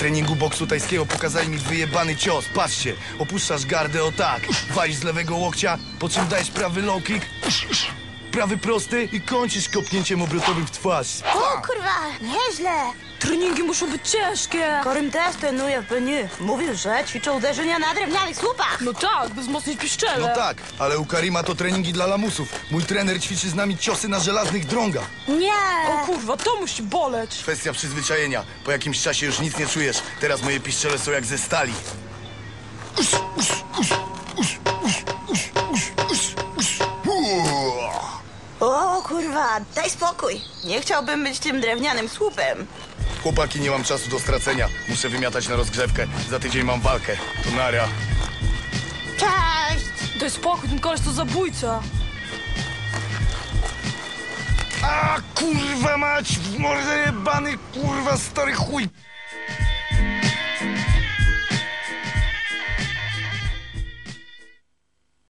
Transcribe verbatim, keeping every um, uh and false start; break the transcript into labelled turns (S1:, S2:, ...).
S1: treningu boksu tajskiego pokazali mi wyjebany cios. Patrzcie, opuszczasz gardę o tak, walisz z lewego łokcia, po czym dajesz prawy low kick, prawy prosty i kończysz kopnięciem obrotowym w twarz.
S2: O kurwa, nieźle.
S3: Treningi muszą być ciężkie.
S2: Korym też trenuje w Beniu. Mówił, że ćwiczą uderzenia na drewnianych słupach.
S3: No tak, by wzmocnić piszczele.
S1: No tak, ale u Karima to treningi dla lamusów. Mój trener ćwiczy z nami ciosy na żelaznych drągach.
S2: Nie.
S3: O kurwa, to musi boleć.
S1: Kwestia przyzwyczajenia. Po jakimś czasie już nic nie czujesz. Teraz moje piszczele są jak ze stali.
S2: O kurwa, daj spokój. Nie chciałbym być tym drewnianym słupem.
S1: Chłopaki, nie mam czasu do stracenia. Muszę wymiatać na rozgrzewkę. Za tydzień mam walkę. To nara.
S2: Cześć.
S3: Daj spokój, ten koleś to zabójca.
S1: A kurwa mać, w mordę jebany, kurwa stary chuj.